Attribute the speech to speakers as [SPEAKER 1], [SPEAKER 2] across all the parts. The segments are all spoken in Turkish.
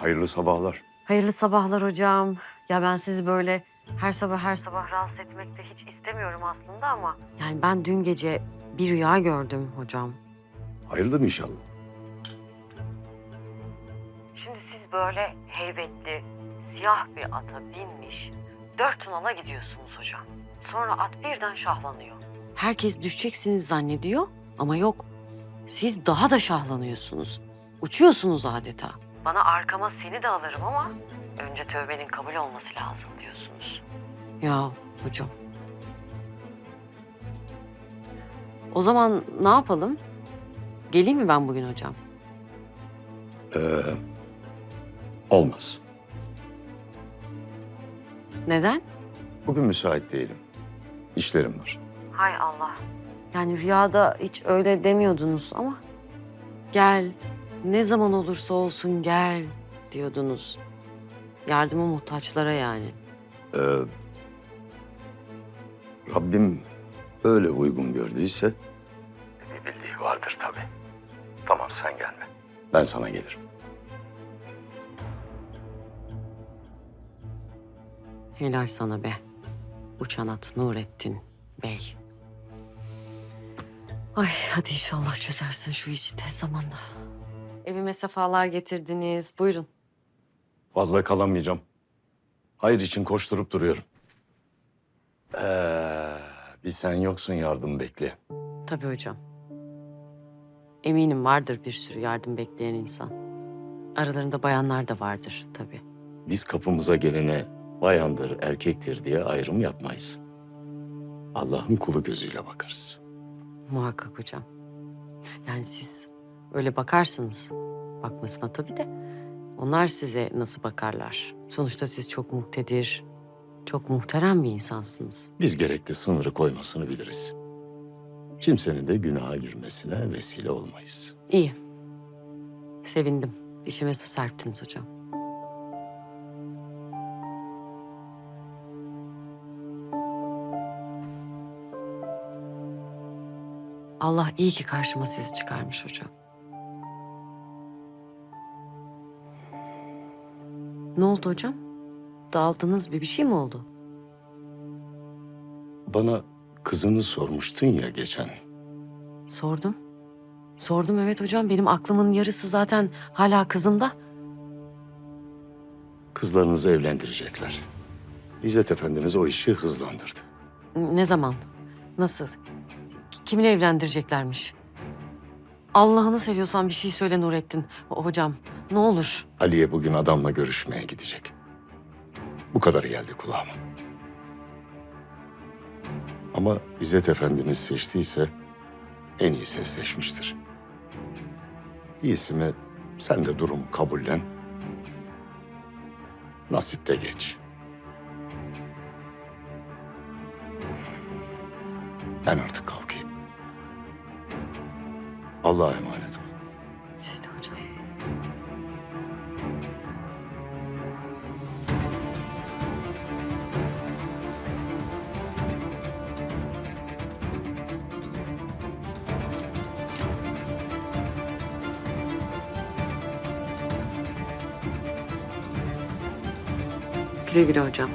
[SPEAKER 1] Hayırlı sabahlar.
[SPEAKER 2] Hayırlı sabahlar hocam. Ya ben sizi böyle her sabah rahatsız etmek de hiç istemiyorum aslında ama... Yani ben dün gece bir rüya gördüm hocam.
[SPEAKER 1] Hayırdır inşallah.
[SPEAKER 2] Şimdi siz böyle heybetli, siyah bir ata binmiş, 4 nala gidiyorsunuz hocam. Sonra at birden şahlanıyor. Herkes düşeceksiniz zannediyor ama yok. Siz daha da şahlanıyorsunuz. Uçuyorsunuz adeta. Bana arkama seni de alırım ama önce tövbenin kabul olması lazım diyorsunuz. Ya hocam. O zaman ne yapalım? Geleyim mi ben bugün hocam?
[SPEAKER 1] Olmaz.
[SPEAKER 2] Neden?
[SPEAKER 1] Bugün müsait değilim. İşlerim var.
[SPEAKER 2] Hay Allah. Yani rüyada hiç öyle demiyordunuz ama... Gel, ne zaman olursa olsun gel diyordunuz. Yardıma muhtaçlara yani.
[SPEAKER 1] Ee, Rabbim öyle uygun gördüyse... Bir bildiği vardır tabii. Tamam sen gelme. Ben sana gelirim.
[SPEAKER 2] Helal sana be. Uçan at Nurettin Bey. Ay hadi inşallah çözersin şu işi tez zamanda. Evime sefalar getirdiniz. Buyurun.
[SPEAKER 1] Fazla kalamayacağım. Hayır için koşturup duruyorum. Bir sen yoksun yardım bekle.
[SPEAKER 2] Tabii hocam. Eminim vardır bir sürü yardım bekleyen insan. Aralarında bayanlar da vardır tabii.
[SPEAKER 1] Biz kapımıza gelene bayandır, erkektir diye ayrım yapmayız. Allah'ın kulu gözüyle bakarız.
[SPEAKER 2] Muhakkak hocam. Yani siz öyle bakarsınız. Bakmasına tabii de. Onlar size nasıl bakarlar? Sonuçta siz çok muktedir, çok muhterem bir insansınız.
[SPEAKER 1] Biz gerekli sınırı koymasını biliriz. Kimsenin de günaha girmesine vesile olmayız.
[SPEAKER 2] İyi. Sevindim. İşime su serptiniz hocam. Allah iyi ki karşıma sizi çıkarmış hocam. Ne oldu hocam? Dağıldınız bir şey mi oldu?
[SPEAKER 1] Bana kızını sormuştun ya geçen.
[SPEAKER 2] Sordum. Sordum evet hocam. Benim aklımın yarısı zaten hala kızımda.
[SPEAKER 1] Kızlarınızı evlendirecekler. İzzet Efendimiz o işi hızlandırdı.
[SPEAKER 2] Ne zaman? Nasıl? Kiminle evlendireceklermiş? Allah'ını seviyorsan bir şey söyle Nurettin. Hocam ne olur.
[SPEAKER 1] Aliye bugün adamla görüşmeye gidecek. Bu kadarı geldi kulağıma. Ama İzzet Efendimiz seçtiyse en iyisi seçmiştir. İyisi mi sen de durumu kabullen. Nasipte geç. Ben artık kalkayım. Allah'a emanet ol.
[SPEAKER 2] Siz de hocam. Güle güle hocam.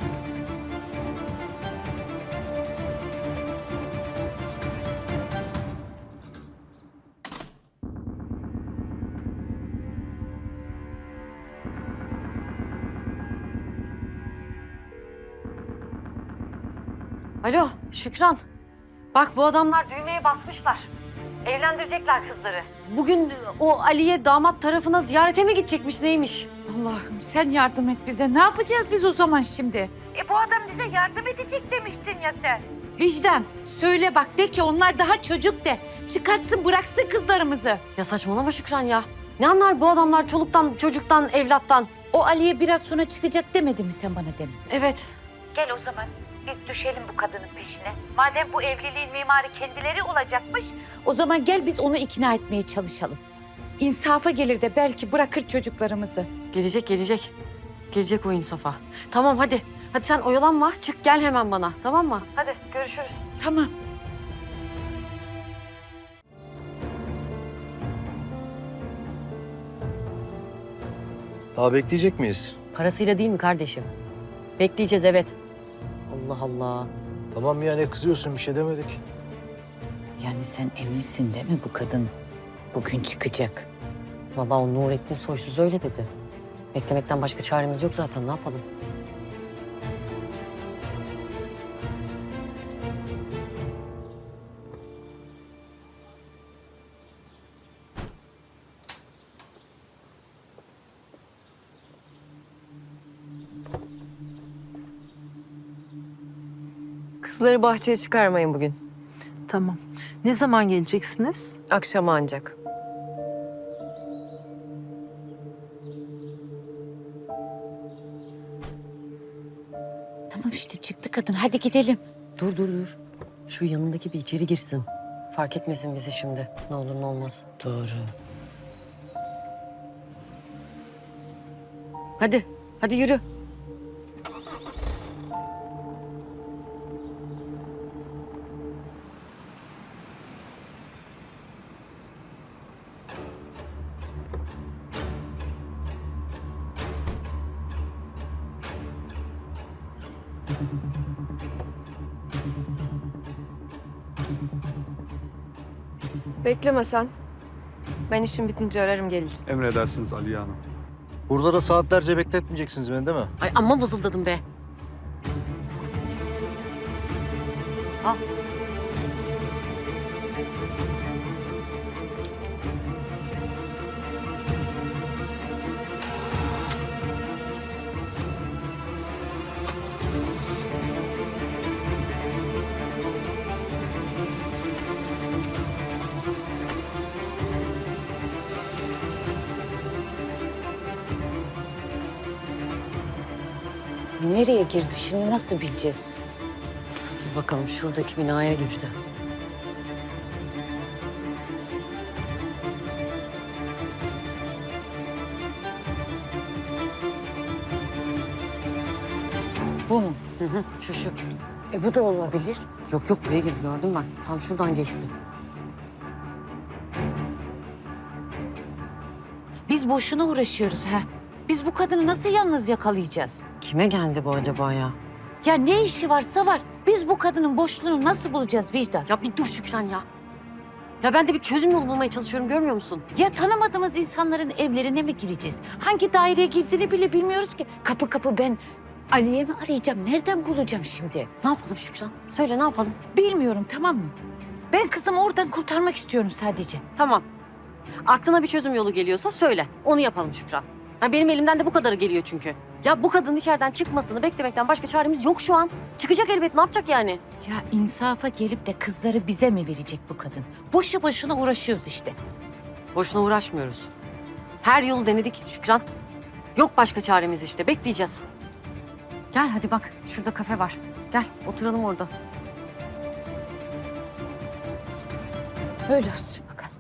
[SPEAKER 2] Alo Şükran. Bak bu adamlar düğmeye basmışlar. Evlendirecekler kızları. Bugün o Aliye damat tarafına ziyarete mi gidecekmiş neymiş?
[SPEAKER 3] Allah'ım sen yardım et bize. Ne yapacağız biz o zaman şimdi?
[SPEAKER 4] Bu adam bize yardım edecek demiştin ya sen.
[SPEAKER 3] Vicdan söyle bak de ki onlar daha çocuk de. Çıkartsın bıraksın kızlarımızı.
[SPEAKER 2] Ya saçmalama Şükran ya. Ne anlar bu adamlar çoluktan, çocuktan, evlattan?
[SPEAKER 3] O Ali'ye biraz sonra çıkacak demedi mi sen bana demin?
[SPEAKER 2] Evet.
[SPEAKER 4] Gel o zaman biz düşelim bu kadının peşine. Madem bu evliliğin mimarı kendileri olacakmış.
[SPEAKER 3] O zaman gel biz onu ikna etmeye çalışalım. İnsafa gelir de belki bırakır çocuklarımızı.
[SPEAKER 2] Gelecek, gelecek. Gelecek o insafa. Tamam hadi. Hadi sen oyalanma. Çık gel hemen bana. Tamam mı? Hadi görüşürüz.
[SPEAKER 3] Tamam.
[SPEAKER 5] Daha bekleyecek miyiz?
[SPEAKER 2] Parasıyla değil mi kardeşim? Bekleyeceğiz evet. Allah Allah.
[SPEAKER 5] Tamam ya, ne kızıyorsun, bir şey demedik.
[SPEAKER 3] Yani sen eminsin değil mi bu kadın bugün çıkacak?
[SPEAKER 2] Vallahi o Nurettin Soysuz öyle dedi. Beklemekten başka çaremiz yok zaten, ne yapalım?
[SPEAKER 6] Kızları bahçeye çıkarmayın bugün.
[SPEAKER 7] Tamam. Ne zaman geleceksiniz?
[SPEAKER 6] Akşama ancak.
[SPEAKER 3] Tamam işte çıktı kadın, hadi gidelim.
[SPEAKER 2] Dur dur dur. Şu yanındaki bir içeri girsin. Fark etmesin bizi şimdi. Ne olur ne olmaz.
[SPEAKER 3] Doğru.
[SPEAKER 2] Hadi. Hadi yürü.
[SPEAKER 6] Bekleme sen. Ben işim bitince ararım gelirsin.
[SPEAKER 8] Emredersiniz Aliye Hanım.
[SPEAKER 5] Burada da saatlerce bekletmeyeceksiniz beni değil mi?
[SPEAKER 2] Ay amma vızıldadım be. Al.
[SPEAKER 3] Nereye girdi şimdi, nasıl bileceğiz?
[SPEAKER 2] Dur bakalım, şuradaki binaya girdi.
[SPEAKER 3] Bu mu?
[SPEAKER 2] Hı hı, şu.
[SPEAKER 3] Bu da olabilir.
[SPEAKER 2] Yok yok, buraya girdi, gördüm ben. Tam şuradan geçti.
[SPEAKER 3] Biz boşuna uğraşıyoruz ha. Biz bu kadını nasıl yalnız yakalayacağız?
[SPEAKER 2] Kime geldi bu acaba ya?
[SPEAKER 3] Ya ne işi varsa var. Biz bu kadının boşluğunu nasıl bulacağız Vicdan?
[SPEAKER 2] Ya bir dur Şükran ya. Ya ben de bir çözüm yolu bulmaya çalışıyorum, görmüyor musun?
[SPEAKER 3] Ya tanımadığımız insanların evlerine mi gireceğiz? Hangi daireye girdiğini bile bilmiyoruz ki. Kapı kapı ben Ali'ye mi arayacağım? Nereden bulacağım şimdi?
[SPEAKER 2] Ne yapalım Şükran? Söyle, ne yapalım?
[SPEAKER 3] Bilmiyorum, tamam mı? Ben kızımı oradan kurtarmak istiyorum sadece.
[SPEAKER 2] Tamam. Aklına bir çözüm yolu geliyorsa söyle. Onu yapalım Şükran. Ha, benim elimden de bu kadarı geliyor çünkü. Ya bu kadının içeriden çıkmasını beklemekten başka çaremiz yok şu an. Çıkacak elbet, ne yapacak yani?
[SPEAKER 3] Ya insafa gelip de kızları bize mi verecek bu kadın? Boşu boşuna uğraşıyoruz işte.
[SPEAKER 2] Boşuna uğraşmıyoruz. Her yolu denedik Şükran. Yok başka çaremiz işte, bekleyeceğiz. Gel hadi bak, şurada kafe var. Gel, oturalım orada.
[SPEAKER 3] Öyle olsun bakalım.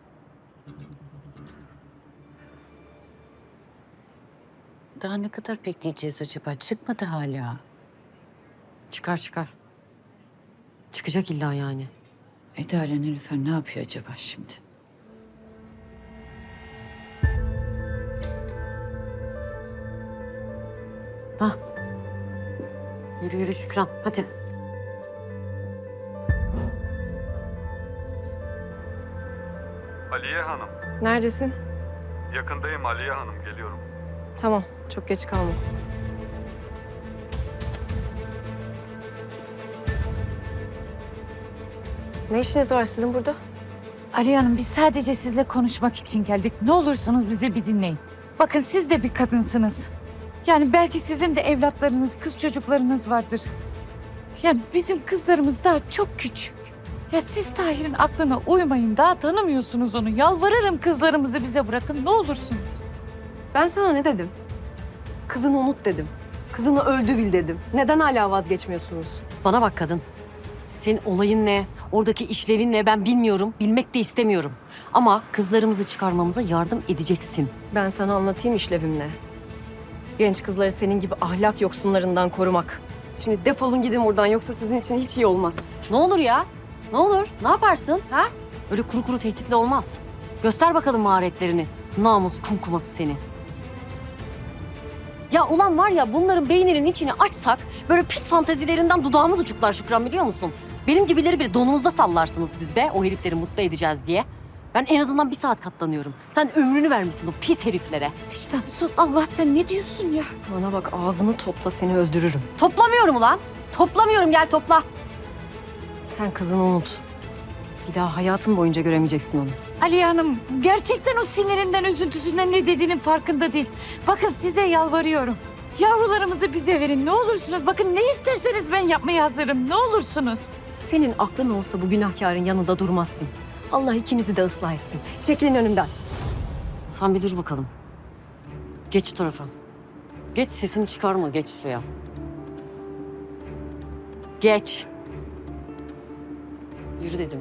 [SPEAKER 3] Daha ne kadar bekleyeceğiz acaba? Çıkmadı hala.
[SPEAKER 2] Çıkar çıkar. Çıkacak illa yani.
[SPEAKER 3] Eda ile Nilüfer ne yapıyor acaba şimdi?
[SPEAKER 2] Hah. Yürü yürü Şükran, hadi.
[SPEAKER 8] Aliye Hanım.
[SPEAKER 6] Neredesin?
[SPEAKER 8] Yakındayım Aliye Hanım. Geliyorum.
[SPEAKER 6] Tamam, çok geç kalma. Ne işiniz var sizin burada?
[SPEAKER 3] Ali Hanım, biz sadece sizle konuşmak için geldik. Ne olursunuz bizi bir dinleyin. Bakın siz de bir kadınsınız. Yani belki sizin de evlatlarınız, kız çocuklarınız vardır. Yani bizim kızlarımız daha çok küçük. Ya siz Tahir'in aklına uymayın. Daha tanımıyorsunuz onu. Yalvarırım, kızlarımızı bize bırakın. Ne olursunuz.
[SPEAKER 6] Ben sana ne dedim? Kızını unut dedim. Kızını öldü bil dedim. Neden hala vazgeçmiyorsunuz?
[SPEAKER 2] Bana bak kadın. Senin olayın ne? Oradaki işlevin ne? Ben bilmiyorum. Bilmek de istemiyorum. Ama kızlarımızı çıkarmamıza yardım edeceksin.
[SPEAKER 6] Ben sana anlatayım işlevim ne. Genç kızları senin gibi ahlak yoksunlarından korumak. Şimdi defolun gidin buradan, yoksa sizin için hiç iyi olmaz.
[SPEAKER 2] Ne olur ya? Ne olur? Ne yaparsın? Ha? Öyle kuru kuru tehditle olmaz. Göster bakalım maharetlerini. Namus kumkuması seni. Ya ulan var ya bunların beyninin içini açsak böyle pis fantezilerinden dudağımız uçuklar Şükran biliyor musun? Benim gibileri bile donunuzda sallarsınız siz be o herifleri mutlu edeceğiz diye. Ben en azından 1 saat katlanıyorum. Sen ömrünü vermişsin o pis heriflere.
[SPEAKER 3] Vicdan sus Allah sen ne diyorsun ya?
[SPEAKER 6] Bana bak ağzını topla seni öldürürüm.
[SPEAKER 2] Toplamıyorum ulan. Toplamıyorum gel topla.
[SPEAKER 6] Sen kızını unut. Bir daha hayatın boyunca göremeyeceksin onu.
[SPEAKER 3] Aliye Hanım gerçekten o sinirinden, üzüntüsünden ne dediğinin farkında değil. Bakın size yalvarıyorum. Yavrularımızı bize verin ne olursunuz. Bakın ne isterseniz ben yapmaya hazırım ne olursunuz.
[SPEAKER 6] Senin aklın olsa bu günahkarın yanında durmazsın. Allah ikimizi de ıslah etsin. Çekilin önümden.
[SPEAKER 2] Sen bir dur bakalım. Geç şu tarafa. Geç sesini çıkarma geç şuraya. Geç. Yürü dedim.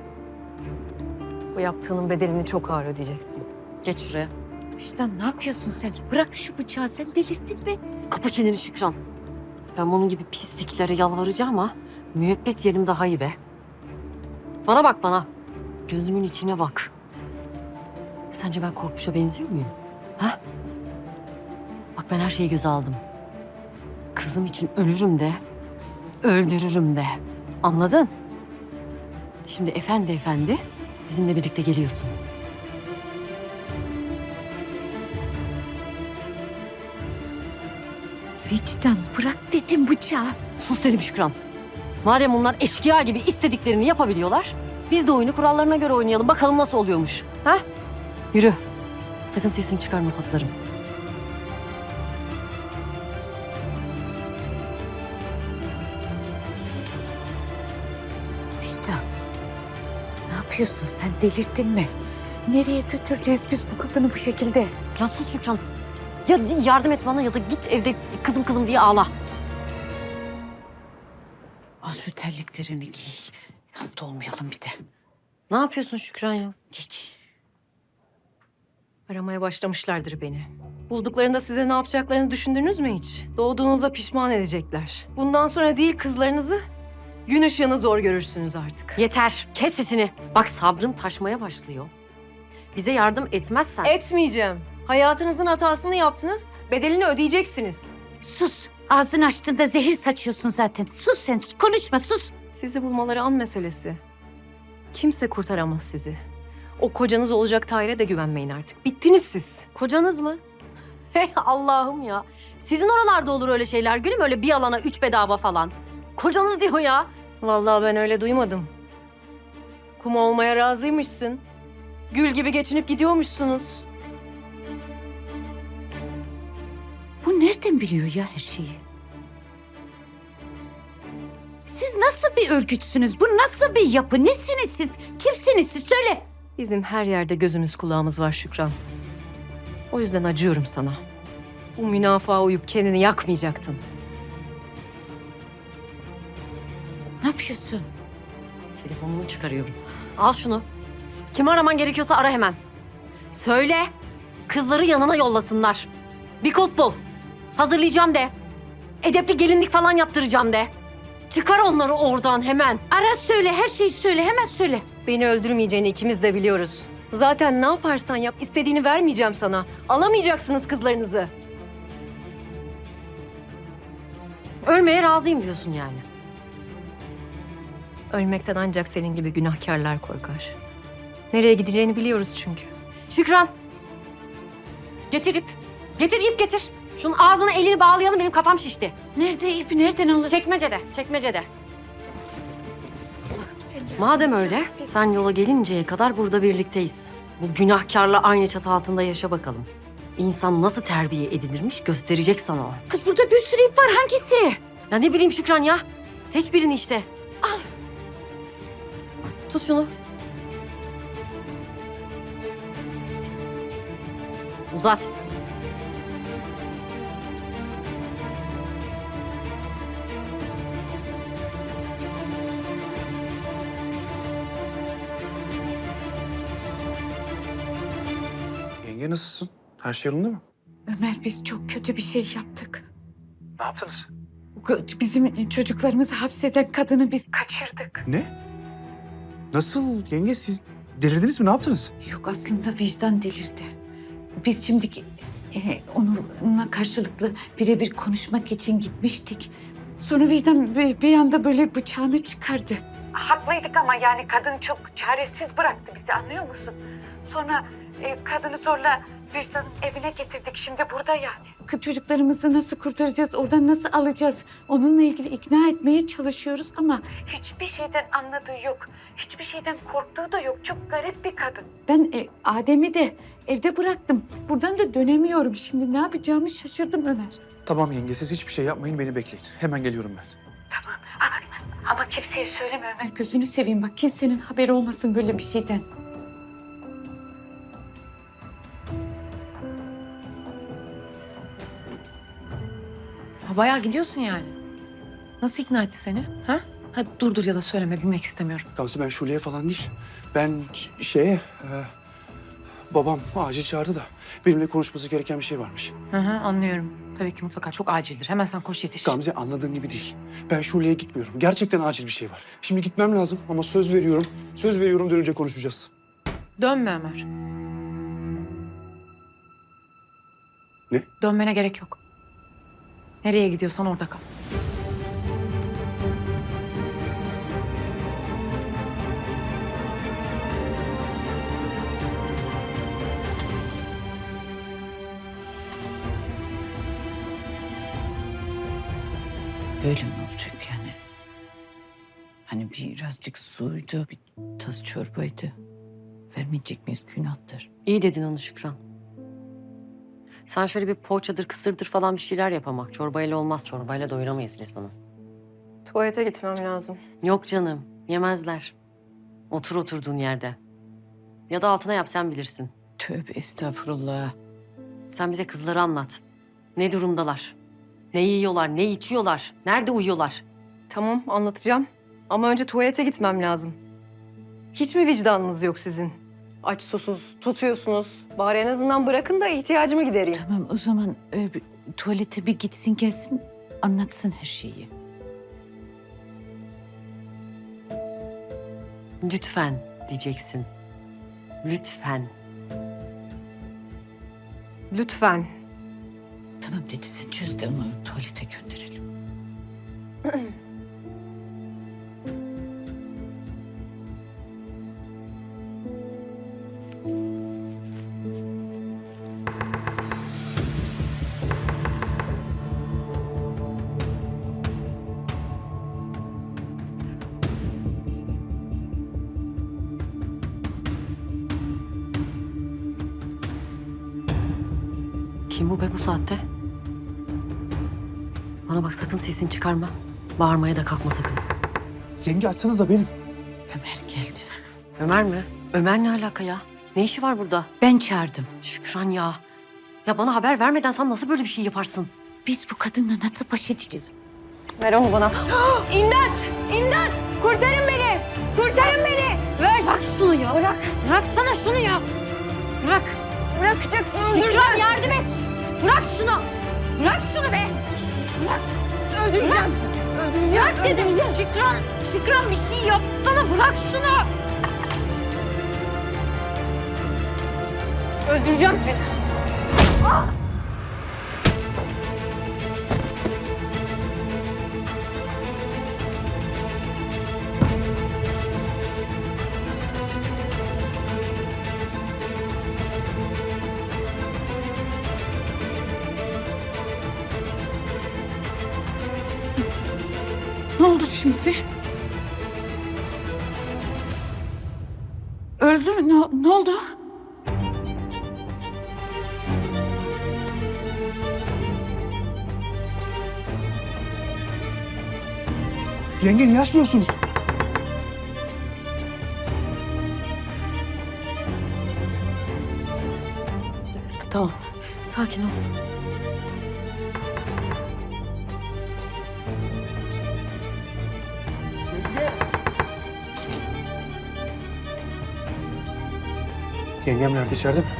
[SPEAKER 6] Bu yaptığının bedelini çok ağır ödeyeceksin.
[SPEAKER 2] Geç şuraya.
[SPEAKER 3] Vicdan ne yapıyorsun sen? Bırak şu bıçağı sen delirdin mi?
[SPEAKER 2] Kapa çeneni Şükran. Ben bunun gibi pisliklere yalvaracağım ama müebbet yerim daha iyi be. Bana bak bana. Gözümün içine bak. Sence ben Korkmuş'a benziyor muyum? Ha? Bak ben her şeyi göze aldım. Kızım için ölürüm de, öldürürüm de. Anladın? Şimdi efendi efendi bizimle birlikte geliyorsun.
[SPEAKER 3] Vicdan bırak dedim bıçağı.
[SPEAKER 2] Sus dedim Şükran. Madem bunlar eşkıya gibi istediklerini yapabiliyorlar, biz de oyunu kurallarına göre oynayalım. Bakalım nasıl oluyormuş. Ha? Yürü. Sakın sesini çıkarma saplarım.
[SPEAKER 3] Vicdan ne yapıyorsun sen delirdin mi? Nereye götüreceğiz biz bu kadını bu şekilde?
[SPEAKER 2] Ya sus Şükran. Ya yardım et bana ya da git evde kızım kızım diye ağla.
[SPEAKER 3] Al şu terliklerini giy. Hasta olmayalım bir de.
[SPEAKER 2] Ne yapıyorsun Şükran ya?
[SPEAKER 3] Giy giy.
[SPEAKER 6] Aramaya başlamışlardır beni. Bulduklarında size ne yapacaklarını düşündünüz mü hiç? Doğduğunuzda pişman edecekler. Bundan sonra değil kızlarınızı, gün ışığını zor görürsünüz artık.
[SPEAKER 2] Yeter. Kes sesini. Bak sabrım taşmaya başlıyor. Bize yardım etmezsen...
[SPEAKER 6] Etmeyeceğim. Hayatınızın hatasını yaptınız, bedelini ödeyeceksiniz.
[SPEAKER 3] Sus. Ağzını açtığında zehir saçıyorsun zaten. Sus sen konuşma sus.
[SPEAKER 6] Sizi bulmaları an meselesi. Kimse kurtaramaz sizi. O kocanız olacak Tahir'e de güvenmeyin artık. Bittiniz siz.
[SPEAKER 2] Kocanız mı? Hey Allah'ım ya. Sizin oralarda olur öyle şeyler gülüm. Öyle bir alana 3 bedava falan. Kocanız diyor ya.
[SPEAKER 6] Vallahi ben öyle duymadım. Kum olmaya razıymışsın. Gül gibi geçinip gidiyormuşsunuz.
[SPEAKER 3] Bu nereden biliyor ya her şeyi? Siz nasıl bir örgütsünüz? Bu nasıl bir yapı? Nesiniz siz? Kimsiniz siz? Söyle.
[SPEAKER 6] Bizim her yerde gözümüz kulağımız var Şükran. O yüzden acıyorum sana. Bu münafığa uyup kendini yakmayacaktın.
[SPEAKER 3] Ne yapıyorsun?
[SPEAKER 2] Telefonunu çıkarıyorum. Al şunu. Kimi araman gerekiyorsa ara hemen. Söyle. Kızları yanına yollasınlar. Bir kulp bul. Hazırlayacağım de. Edepli gelinlik falan yaptıracağım de. Çıkar onları oradan hemen.
[SPEAKER 3] Ara söyle, her şeyi söyle, hemen söyle.
[SPEAKER 6] Beni öldürmeyeceğini ikimiz de biliyoruz. Zaten ne yaparsan yap istediğini vermeyeceğim sana. Alamayacaksınız kızlarınızı.
[SPEAKER 2] Ölmeye razıyım diyorsun yani.
[SPEAKER 6] Ölmekten ancak senin gibi günahkarlar korkar. Nereye gideceğini biliyoruz çünkü.
[SPEAKER 2] Şükran. Getir ip. Getir ip getir. Şunun ağzını elini bağlayalım benim kafam şişti.
[SPEAKER 3] Nerede ip, nereden alır?
[SPEAKER 2] Çekmecede, çekmecede.
[SPEAKER 3] Allah'ım sen ya.
[SPEAKER 2] Madem öyle, sen yola gelinceye kadar burada birlikteyiz. Bu günahkarla aynı çatı altında yaşa bakalım. İnsan nasıl terbiye edilirmiş gösterecek sana o.
[SPEAKER 3] Kız burada bir sürü ip var, hangisi?
[SPEAKER 2] Ya ne bileyim Şükran ya. Seç birini işte.
[SPEAKER 3] Al.
[SPEAKER 2] Tut şunu. Uzat.
[SPEAKER 9] Yenge nasılsın? Her şey yolunda mı?
[SPEAKER 3] Ömer biz çok kötü bir şey yaptık.
[SPEAKER 9] Ne yaptınız?
[SPEAKER 3] Bizim çocuklarımızı hapseden kadını biz kaçırdık.
[SPEAKER 9] Ne? Nasıl yenge siz delirdiniz mi? Ne yaptınız?
[SPEAKER 3] Yok aslında vicdan delirdi. Biz şimdi Onunla karşılıklı birebir konuşmak için gitmiştik. Sonra vicdan bir anda böyle bıçağını çıkardı. Haklıydık ama yani kadın çok çaresiz bıraktı bizi, anlıyor musun? Sonra kadını zorla vicdanın evine getirdik, şimdi burada yani. Kız çocuklarımızı nasıl kurtaracağız, oradan nasıl alacağız? Onunla ilgili ikna etmeye çalışıyoruz ama hiçbir şeyden anladığı yok. Hiçbir şeyden korktuğu da yok. Çok garip bir kadın. Ben Adem'i de evde bıraktım. Buradan da dönemiyorum. Şimdi ne yapacağımı şaşırdım Ömer.
[SPEAKER 9] Tamam yenge, siz hiçbir şey yapmayın, beni bekleyin. Hemen geliyorum ben.
[SPEAKER 3] Ama kimseye söyleme Ömer. Gözünü seveyim bak, kimsenin haberi olmasın böyle bir şeyden.
[SPEAKER 10] Ha, bayağı gidiyorsun yani. Nasıl ikna etti seni? Ha? Hadi dur ya da söyleme, bilmek istemiyorum.
[SPEAKER 9] Gamze, ben Şule'ye falan değil. Ben babam acil çağırdı da benimle konuşması gereken bir şey varmış.
[SPEAKER 10] Hı hı, anlıyorum. Tabii ki mutlaka çok acildir. Hemen sen koş yetiş.
[SPEAKER 9] Gamze, anladığın gibi değil. Ben Şule'ye gitmiyorum. Gerçekten acil bir şey var. Şimdi gitmem lazım ama söz veriyorum. Söz veriyorum, dönünce konuşacağız.
[SPEAKER 10] Dönme Ömer.
[SPEAKER 9] Ne?
[SPEAKER 10] Dönmene gerek yok. Nereye gidiyorsan orada kal.
[SPEAKER 3] Böyle mi olacak yani? Hani birazcık suydu, bir tas çorbaydı. Vermeyecek miyiz, günahtır.
[SPEAKER 2] İyi dedin onu Şükran. Sen şöyle bir poğaçadır, kısırdır falan bir şeyler yap ama. Çorbayla olmaz, çorbayla doyuramayız biz bunu.
[SPEAKER 6] Tuvalete gitmem lazım.
[SPEAKER 2] Yok canım, yemezler. Otur oturduğun yerde. Ya da altına yap, sen bilirsin.
[SPEAKER 3] Tövbe estağfurullah.
[SPEAKER 2] Sen bize kızları anlat. Ne durumdalar? Ne yiyorlar, ne içiyorlar? Nerede uyuyorlar?
[SPEAKER 6] Tamam, anlatacağım. Ama önce tuvalete gitmem lazım. Hiç mi vicdanınız yok sizin? Aç susuz tutuyorsunuz. Bari en azından bırakın da ihtiyacımı gidereyim.
[SPEAKER 3] Tamam, o zaman tuvalete bir gitsin gelsin, anlatsın her şeyi.
[SPEAKER 2] Lütfen diyeceksin. Lütfen.
[SPEAKER 6] Lütfen.
[SPEAKER 3] Tamam dedi, sen çöz de onu tuvalete gönderelim.
[SPEAKER 2] Kim bu be bu saatte? Bana bak, sakın sesini çıkarma. Bağırmaya da kalkma sakın.
[SPEAKER 9] Yenge, açsanıza benim.
[SPEAKER 3] Ömer geldi.
[SPEAKER 2] Ömer mi? Ömer ne alaka ya? Ne işi var burada?
[SPEAKER 3] Ben çağırdım.
[SPEAKER 2] Şükran ya. Ya bana haber vermeden sen nasıl böyle bir şey yaparsın?
[SPEAKER 3] Biz bu kadınla nasıl baş edeceğiz?
[SPEAKER 6] Ver onu bana. İmdat! İmdat! Kurtarın beni! Kurtarın beni! Ver!
[SPEAKER 2] Bırak şunu ya. Bırak. Bıraksana şunu ya. Bırak.
[SPEAKER 6] Bırakacaksın.
[SPEAKER 2] Şükran yardım et. Bırak şunu. Bırak şunu be. Bırak.
[SPEAKER 6] Öldüreceğim sizi. Öldüreceğim.
[SPEAKER 2] Bırak dedim. Şükran. Şükran bir şey yapsana. Bırak şunu.
[SPEAKER 6] Öldüreceğim seni.
[SPEAKER 3] Ne oldu şimdi? Öldü mü? Ne oldu?
[SPEAKER 9] Yenge, niye açmıyorsunuz?
[SPEAKER 2] Tamam. Sakin ol.
[SPEAKER 9] Yengem nerede, içeride mi?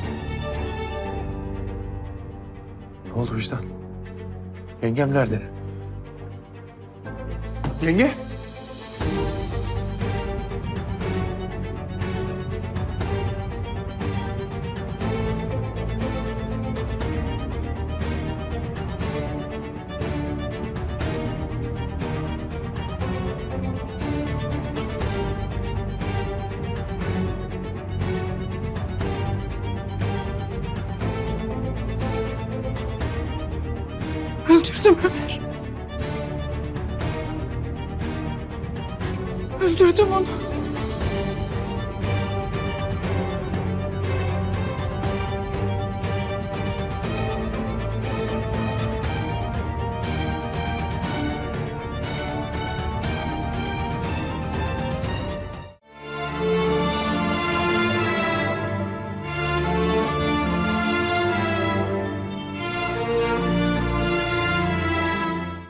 [SPEAKER 9] Ne oldu vicdan? Yengem nerede? Yenge?
[SPEAKER 10] Öldürdüm Ömer. Öldürdüm onu.